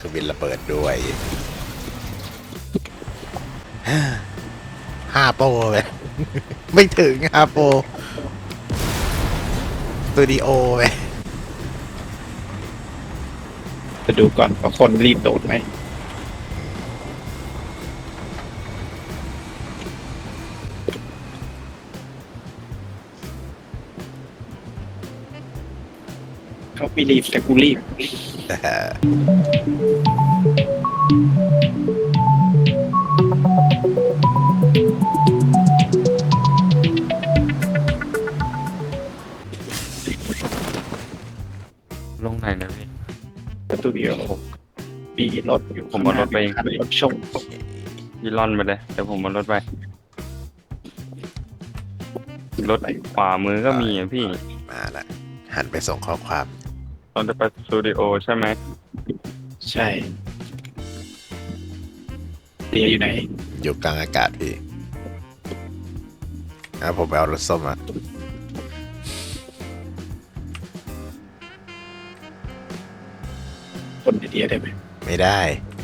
เครื่องบินระเบิดด้วย5 โปรเลย ไม่ถึง5 โปรสตูดิโอเลยจะดูก่อนว่าคนรีบโดดไหมเขาไม่รีบแต่กูรีบลงไหนนะพี่สตูดิโอปีรถอยู่ผมเอารถไปเองคันรถชงยี่ล่อนไปเลยเดี๋ยวผมมารถไปรถขวามือก็มีอ่ะพี่มาละหันไปส่งข้อความเราจะไปสตูดิโอใช่ไหมใช่เตียอยู่ไหนอยู่กลางอากาศพี่ผมไปเอารถส้มมาคนในเตียได้ไหมไม่ได้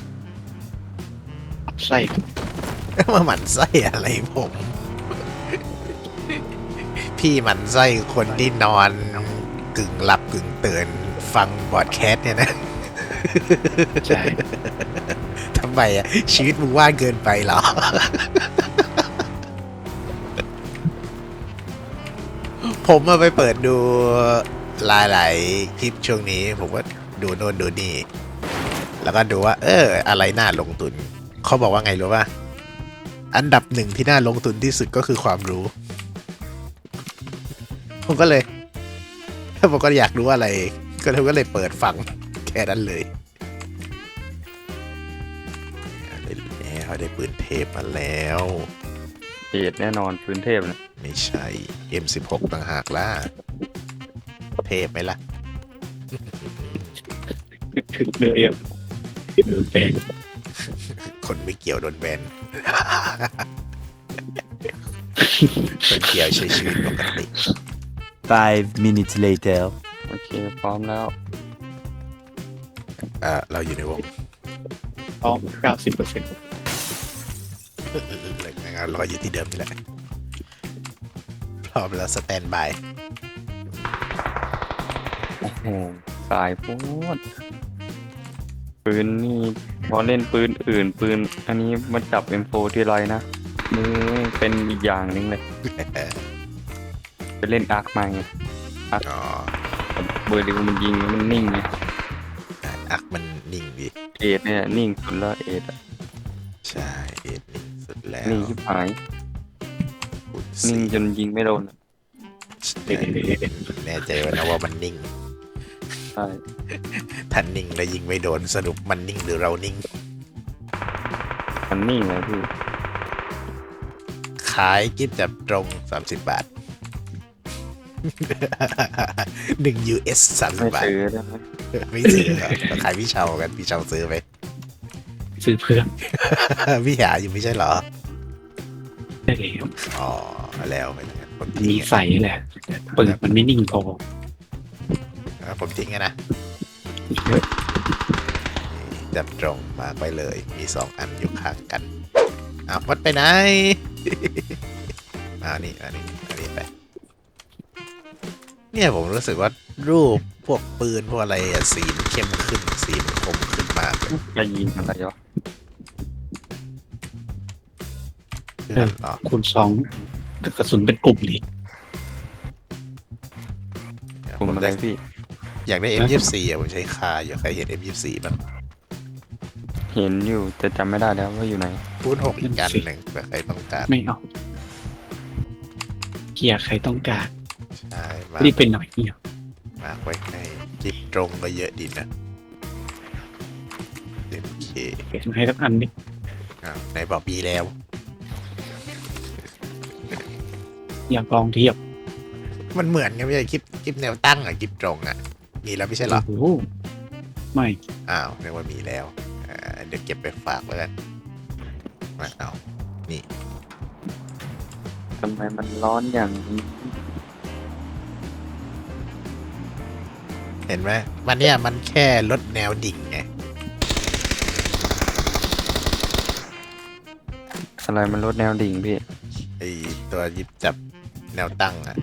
ใช่มาหมั่นไส้อะไรผม พี่หมั่นไส้คนที่นอนกึ่งหลับกึ่งตื่นฟังบอดแคสต์เนี่ยนะใช่ทำไมอ่ะ ชีวิตมึงว่างเกินไปเหรอ ผมมาไปเปิดดูหลายๆคลิปช่วงนี้ ผมก็ดูโน่นดูนี่ แล้วก็ดูว่า อะไรน่าลงทุน เขาบอกว่าไงรู้ป่ะ อันดับหนึ่งที่น่าลงทุนที่สุดก็คือความรู้ ผมก็เลยอยากรู้อะไร ก็เลยเปิดฟังแค่นั้นเลยได้ปืนเทพมาแล้วเอ็ดแน่นอนพื้นเทพนะไม่ใช่ M16 ต่างหากล่ะ เทพไหมล่ะถึงเลยอ่ะเป็นคนไม่เกี่ยวโดนแบน คนเกี่ยวใช้ชีวิตปกติ 5 minutes later โอเคพร้อมแล้วเราอยู่ในวงพร้อม 90% รออยู่ที่เดิมนี่แหละพร้อมแล้วสแตนบายโอ้โหสายโพดปืนนี่พอเล่นปืนอื่นปืน อันนี้มันจับ M4 ที่ไรนะมือเป็นอีกอย่างหนึงเลยไปเล่นอาร์คมาไงอ๋อเบอร์ดิวมันยิงมันนิ่งไงอักมันนิ่งดีเอ็ดเนี่ยนิ่งสุดแล้วเอ็ดอะใช่เอ็ดนิ่งสุดแล้วนิ่งชิบหายคุณนิ่งจนยิงไม่โดนอะแน่ใจว่านะว่ามันนิ่งใช่ถ้านิ่งแล้วยิงไม่โดนสรุปมันนิ่งหรือเรานิ่งมันนิ่งเลยพี่ขายกิฟต์จับตรง30 บาท 1 US 30 ไม่บาทซื้อได้ไหมไม่ซื้อเหรอขายพี่เชากันพี่เชาซื้อไหมซื้อเพื่อนพี่หาอยู่ไม่ใช่เหรอได้เลยอ๋อ แล้วไปแล้วผมมีทิ้งใส่แหละเปิดมันไม่นิ่งพอผมทิ้งนะจับตรงมาไปเลย มี2 อันอยู่ข้างกันวัดไปไหน นี่ไปเนี่ยผมรู้สึกว่ารูปพวกปืนพวกอะไรอะสีมันเข้มขึ้นสีมันคมขึ้นมากเลยจะยิงอะไรวะคูณ2กระสุนเป็นกลุ่มเลยกลุ่มอะไรพี่อยากได้ M24 ผมใช้คาอยู่ใครเห็น M24 บ้างเห็นอยู่แต่จำไม่ได้แล้วว่าอยู่ไหนคูณ6อีกอันหนึ่งเผื่อใครต้องการไม่เอาเกียร์ใครต้องการใช่มารีบเป็นหน่อยเนี่ยมาไว้ให้จิบตรงก็เยอะดีนะโอเคเก็บให้สักอันนิไหนบอกมีแล้วอยากลองเทียบมันเหมือนกันไม่ใช่คลิปแนวตั้งคลิปตรงมีแล้วไม่ใช่เหรอโอ้โหไม่เรียกว่ามีแล้วเดี๋ยวเก็บไปฝากแล้วกันมานี่ทำไมมันร้อนอย่างนี้เห็นไหมมันเนี่ยมันแค่ลดแนวดิ่งไงอะไรมันลดแนวดิ่งพี่ไอตัวหยิบจับแนวตั้งอ่ะ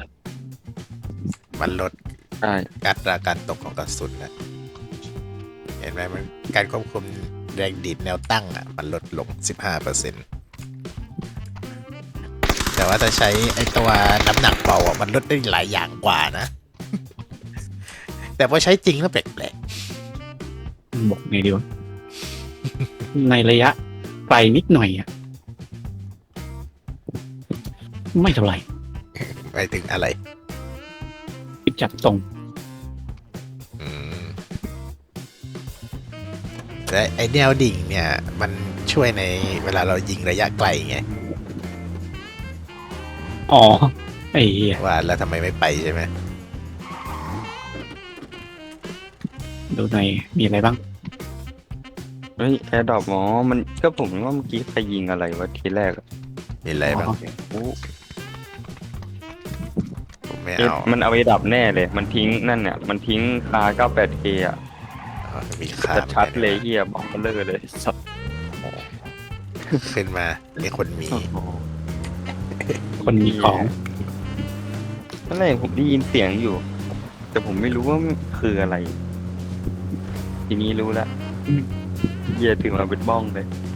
มันลดใช่อัตราการตกของกระสุนนะเห็นไหมมันการควบคุมแรงดีดแนวตั้งอ่ะ มันลดลง 15%แต่ว่าถ้าใช้ไอตัวน้ำหนักเบาอ่ะ มันลดได้หลายอย่างกว่านะ แต่พอใช้จริงแล้วแปลกบอกไงดีวะ ในระยะไกลนิดหน่อยอ่ะ ไม่เท่าไหร่ๆไปถึงอะไรจับตรงอืมและไอแนวดิ่งเนี่ย มันช่วยในเวลาเรายิงระยะไกลไงอ๋อ ไอ้เหี้ยว่าแล้วทำไมไม่ไปใช่ไหมดูในมีอะไรบ้างเฮ้ยแอร์ดรอปหมอมันก็ผมว่าเมื่อกี้ใครยิงอะไรวะทีแรกอะมีอะไรบ้างโอ้ผมไม่เอ๊ะเอามันเอาไปดับแน่เลย มันทิ้งนั่นเนี่ยมันทิ้งคา 98K อ่ะมีค่าชัดๆเลยเฮียบอกมันเลยเลยสับขึ้นมามีคนมีคนมีของตอนแรกผมได้ยินเสียงอยู่ แต่ผมไม่รู้ว่ามันคืออะไร ทีนี้รู้แล้วเฮียถึงมาเป็นบ้องเลย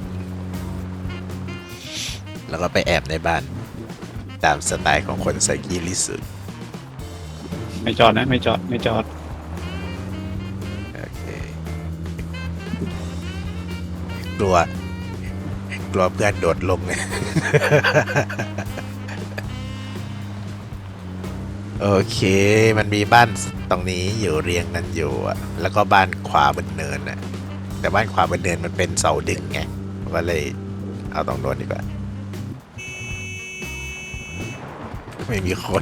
แล้วก็ไปแอบในบ้าน ตามสไตล์ของคนไซกีลิสุดไม่จอดนะ ไม่จอด ไม่จอดโอเคกลัวเพื่อนโดดลง โอเค มันมีบ้านตรงนี้อยู่เรียงกันอยู่อะแล้วก็บ้านขวาบนเนินอะแต่บ้านขวาบนเนินมันเป็นเสาดึงไงก็เลยเอาตรงโน้นดีกว่า ไม่มีคน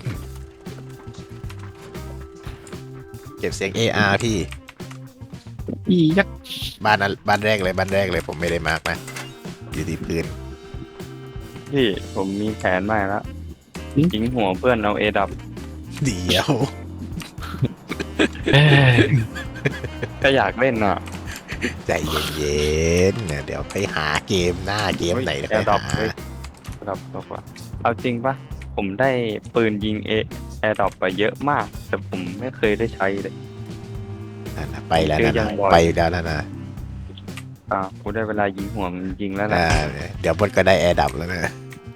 เก็บเสียง AR พี่อียักษ์บ้านแรกเลยผมไม่ได้มาร์กนะอยู่ที่พื้นพี่ผมมีแผนใหม่แล้วทิ้งหัวเพื่อนเอาเอดับเดี๋ยวเอ้ยก็อยากเล่นอ่ะใจเย็นๆนะเดี๋ยวไปหาเกมหน้าเกมไหนแล้วแอไปร์ดรอปหาเลยดับบอกว่าเอาจริงปะผมได้ปืนยิงแอร์ดรอปไปเยอะมาก แต่ผมไม่เคยได้ใช้เลยนั่นนะไปแล้วเจอนะยังบ่อยไปแล้วนะกูได้เวลายิงหัวมันยิงแล้วนะเดี๋ยวบนก็ได้แอร์ดับแล้วนะ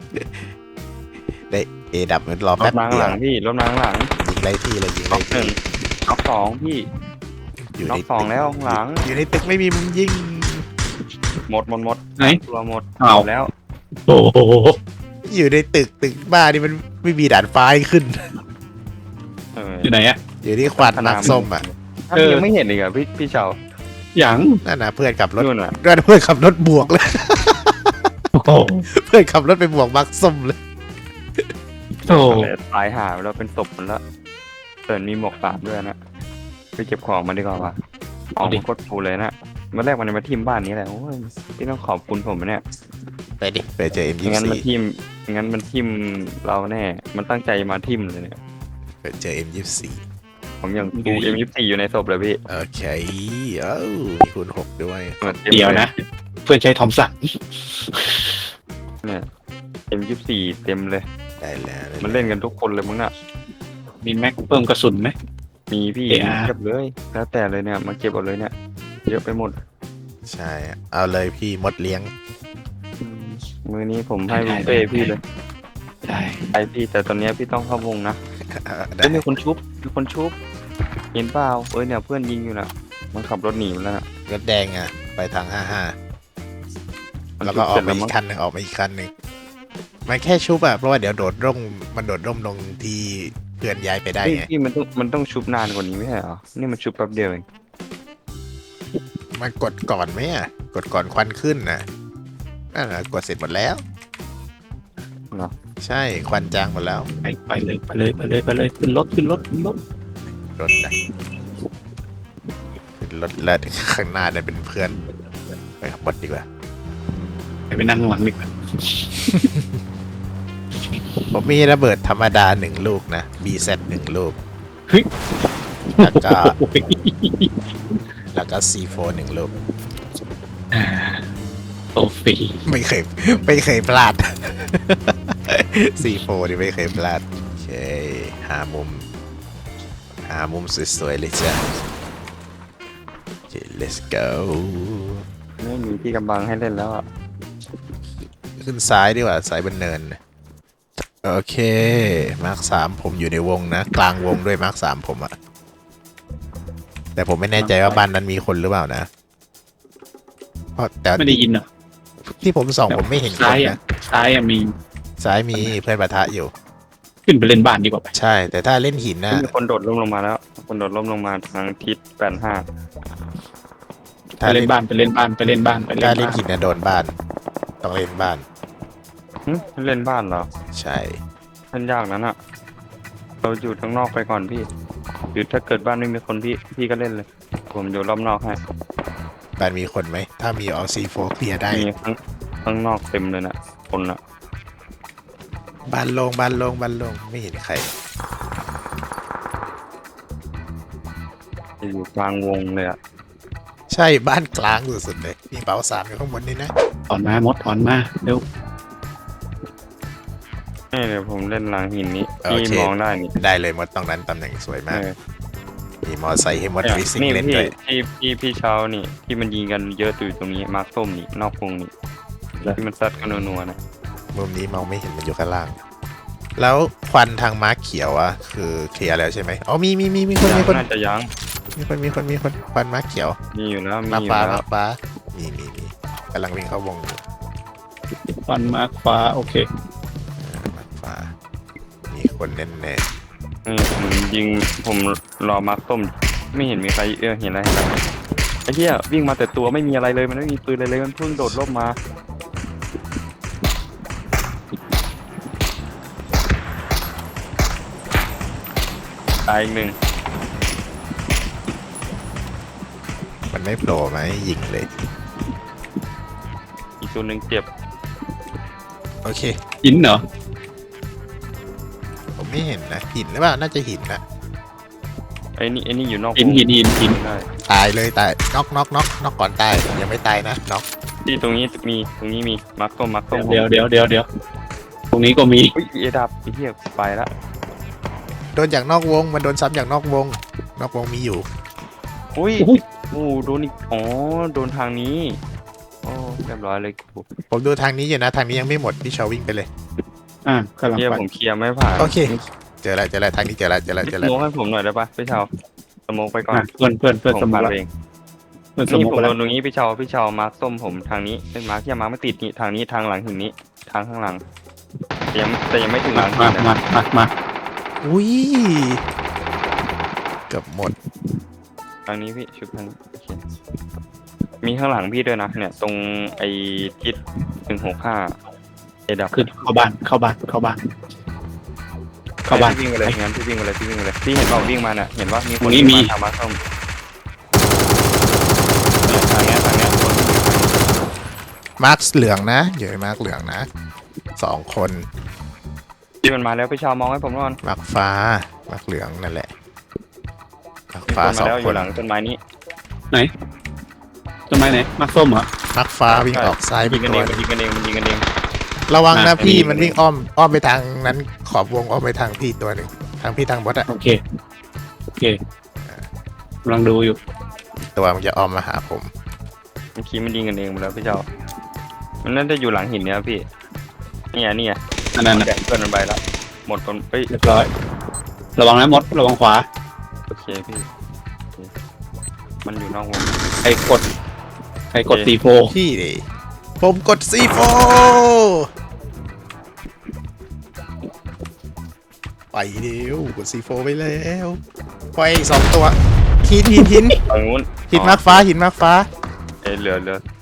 ได้เอดับมันรอรแป๊ถบมาข้างเดีหยวลังพี่รถมาข้างหลังยิงไล่ที่เลยยิงน็ไล่อกหนึ่ที่งน็อกสองพี่อยู่น็อในกสองแล้วข้างหลังอยู่ในตึกไม่มีมุมยิงหมดไหนตัวหมดอ้าวแล้วโอ้โหอยู่ในตึกบ้านนี่มันไม่มีด่านฟ้าให้ขึ้นเอออยู่ไหนอะอยู่ที่ควันนักส้มอ่ะถ้าพี่ยังไม่เห็นอีกอ่ะพี่เฉาอย่างนั่นนะเพื่อนขับรถนู่นอ่ะเพื่อนขับรถบวกเลยโอ้โหเพื่อนขับรถไปบวกมักส้มเลยโอ้โหตายหาแล้วเป็นศพมันละเตินมีหมวกสามด้วยนะไปเก็บของมาดีกว่าว่ะของมันโคตรฟูเลยนะเมื่อแรกมันมาทิมบ้านนี้แหละโอ้ยพี่ต้องขอบคุณผมนะเนี่ยไปดิไปเจอไม่งั้นมัน M24 ทิมไม่งั้นมันทิมเราแน่ มันตั้งใจมาทิมเลยเนี่ยไปเจอ M24 ผมยังดู M24 อยู่ในศพเลยพี่โอเคเอ้ามีคูณ6ด้วยหมือนต็มเดี๋ยวนะ เพื่อนใช้ทอมสันเนี่ย M24 เต็มเลยได้แล้วมันเล่นกันทุกคนเลยมึงน่ะมีแม็กเพิ่มกระสุนไหมมีพี่ AR เก็บเลย แล้วแต่เลยเนี่ยมาเก็บเอาเลยเนี่ย เยอะไปหมดใช่ เอาเลยพี่มดเลี้ยงมือนี้ผมให้บุฟเฟ่ต์พี่เลยใช่ไปพี่แต่ตอนเนี้ยพี่ต้องเข้าวงนะได้เอ้ยมีคนชุบเห็นเปล่าเอ้ยเนี่ยเพื่อนยิงอยู่น่ะ มันขับรถหนีไปแล้วน่ะรถแดงอ่ะ ไปทางมัน 55 แล้วก็ออกมาอีกคันหนึ่งออกมาอีกคันหนึ่งมันแค่ชุบอ่ะ เพราะว่าเดี๋ยวโดดร่มมันโดดร่มลงที่เพื่อนย้ายไปได้เฮ้ยไงพี่มันต้องชุบนานกว่านี้ไม่ใช่เหรอ นี่มันชุบแป๊บเดียวเองมันกดก่อนไหมอ่ะ กดก่อนควันขึ้นน่ะนั่นน่ะกดเสร็จหมดแล้วเหรอใช่ควันจางหมดแล้วไปเลยขึ้นรถรถนะขึ้นรถแล้วข้างหน้าเนี่ยเป็นเพื่อนไปขับรถดีกว่าไปนั่งข้างหลังดีกว่าผมมีระเบิดธรรมดา1 ลูกนะ BZ 1 ลูกเฮ้ยแล้วก็โอ้โหแล้วก็ C4 1 ลูกโอเคฟรีไม่เคยพลาด C4 นี่ไม่เคยพลาดโอเคหามุมสวยๆเลยจ้ะโอเค let's go ไม่มีที่กำบังให้เล่นแล้วอ่ะขึ้นซ้ายดีกว่าซ้ายบนเนินโอเคมาร์ค3ผมอยู่ในวงนะกลางวงด้วยมาร์ค3ผมอะแต่ผมไม่แน่ใจว่าบ้านนั้นมีคนหรือเปล่านะเพราะแต่ไม่ได้ยินเหรอที่ผมส่องผมไม่เห็นคนซ้ายอ่ะนะซ้ายอ่ะมีซ้ายมีเพื่อนปะทะอยู่ขึ้นไปเล่นบ้านดีกว่าไปใช่ แต่ถ้าเล่นหินนะมีคนโดดร่มลงมาแล้ว คนโดดร่มลงมาทางทิศ85 ไปเล่นบ้านไปเล่นบ้านไปเล่นบ้านไปเล่นถ้าบ้านเล่นหินนะโดนบ้าน ต้องเล่นบ้านหึเล่นบ้านเหรอใช่เล่นยากนั้นอ่ะ เราอยู่ข้างนอกไปก่อนพี่หรือถ้าเกิดบ้านไม่มีคนพี่ก็เล่นเลย ผมอยู่รอบนอกให้บ้านมีคนไหม ถ้ามีออซีโฟเคลียร์ได้มีข้างนอกเต็มเลยนะคนอ่ะบ้านโลงไม่เห็นใครอยู่กลางวงเลยอ่ะใช่บ้านกลางสุดๆเลยมีเป๋าสามอยู่ข้างบนนี่นะถอนมามดถอนมาเร็วนี่เดี๋ยวผมเล่นหลังหินนี้พี่มองได้นี่ได้เลยมดตรงนั้นตำแหน่งสวยมาก มีมอไซค์ให้มดฟิสิกนี่เล่นพี่ด้วยพี่เช้านี่ที่มันยิงกันเยอะอยู่ตรงนี้มาร์คส้มนี่นอกวงนี่ที่มันซัดกันนัวๆนะมุมนี้มองไม่เห็นมันอยู่ข้างล่าง แล้วควันทางม้าเขียวอะคือเคลียร์แล้วใช่ไหมอ๋อมีคนน่าจะยังมีคนควันม้าเขียวมีอยู่แล้วมีมาอยู่ฟ้าแล้วมาฟ้ามีกำลังวิ่งเข้าวงอยู่ฟันมาร์คฟ้าโอเคมาฟ้ามีคนแน่นี่ผมยิงผมรอมาร์คส้มไม่เห็นมีใครเห็นอะไรไอ้เหี้ยวิ่งมาแต่ตัวไม่มีอะไรเลยมันไม่มีปืนอะไรเลยมันเพิ่งโดดร่มมาตายอีกหนึ่งๆมันไม่โผล่ไหมยิงเลยอีกตัวหนึ่งเจ็บโอเคหินเหรอผมไม่เห็นนะหินหรือเปล่าน่าจะหินนะไอ้นี่อยู่นอกวงหินได้ตายเลยตายน็อกก่อนตายยังไม่ตายนะน็อกที่ตรงนี้มีมาร์คส้มเดี๋ยวตรงนี้ก็มีอุ้ยเอดับไอ้เหี้ยไปละโดนจากนอกวงมันโดนซ้ำจากนอกวงมีอยู่อุ้ยอุ้ยโอ้โดนอีกอ๋อโดนทางนี้โอ้เรียบร้อยเลยผมดูทางนี้อยู่นะทางนี้ยังไม่หมดพี่ชาววิ่งไปเลยกำลังเฮียไปผมเคลียร์ไม่ผ่านโอเคเจอแล้วทางนี้เจอแล้วสโมกให้ผมหน่อยได้ปะพี่เชาสโมกไปก่อนเพื่อนผสมมผ่านบัติเองเพื่อนสมนี่บัผมติโดนตรงนี้พี่เชามาร์คส้มผมทางนี้เป็นมาร์คที่มาร์คไม่ติดนี่ทางนี้ทางหลังหินนี้ทางข้างหลังแต่ยังไม่ถึงหลังหินนะมาอุ้ยเกือบหมดทางนี้พี่ชุบทางนี้โอเคมีข้างหลังพี่ด้วยนะเนี่ยตรงไอ้ทิศ165เอดับขึ้นเข้าบ้านพี่วิ่งไปเลยงั้นพี่วิ่งไปเลยพี่เห็นเปล่าวิ่งมาเนี่ยเห็นว่ามีคนตรงนี้มีทางมาร์คส้มเนี่ยทางเนี้ยคนมาร์คเหลืองนะอยู่ในมาร์คเหลืองนะ2 คนที่มันมาแล้วพี่ชาวมองให้ผมก่อนมาร์คฟ้ามาร์คเหลืองนั่นแหละมาร์คมีฟ้าคนมาแล้ว 2 อคยู่นหลังต้นไม้นี้ต้นไม้ไหนมาร์คส้มเหรอมาร์คฟ้าวิ่งออกซ้ายไปยิงกันตัเอวงมันยิงกันเองระวังนะอ่ะพี่อันนี้มันวิ่งอ้อมไปทางนั้นขอบวงอ้อมไปทางพี่ตัวหนึ่งทางพี่ทางบอสอะโอเคกำลังดูอยู่ตัวมันจะอ้อมมาหาผมเมื่อกี้มันยิงกันเองหมดแล้วพี่เจ้ามันน่าจะอยู่หลังหินเนี่ยพี่นี่ไงอันนั้นแดกเพื่อนมันไปแล้วหมดคนเอ้ยเรียบร้อยระวังนะมดระวังขวาโอเคพี่โอเคมันอยู่นอกวงใครกดโอเคตีโฟพี่ดิผมกด C4 ไปเร็วกด C4 ไปแล้วไปอีก2 ตัวหินฝั่งนู้นหินมาร์คฟ้าเอ้ยเหลือ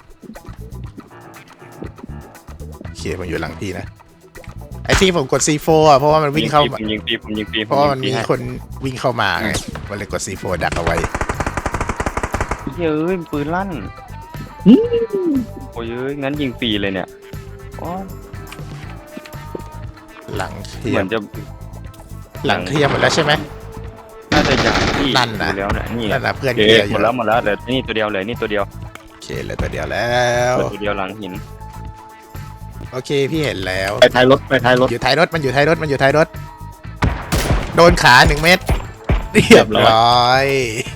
โอเคมันอยู่หลังพี่นะไอ้ที่ผมกด C4 อ่ะเพราะว่ามันวิ่งเข้ามาผมยิงปีเพราะว่ามันมีคนวิ่งเข้ามาไงมันเลยกด C4 ดักเอาไว้เฮ้ยปืนลั่นโอ้ยงั้นยิงฟรีเลยเนี่ยอ๋อหลังเคลีเหยมือนร์จะหลังเคลียร์หมดแล้วใช่ไหมน่าจะอย่างที่นั่นน่ะดูแล้วเนี่ยนี่นั่นนะเพื่อนเคลียร์อหมยู่ดแล้วเหลือนี่ตัวเดียวเลยนี่ตัวเดียวโอเคเหลยตัวเดียวแล้วเหลือตัวเดียวหลังหินโอเคพี่เห็นแล้วไปท้ายรถไปท้ายรถอยู่ท้ายรถมันอยู่ท้ายรถมันอยู่ท้ายรถ โดนขา1 เม็ดเรียบร้อย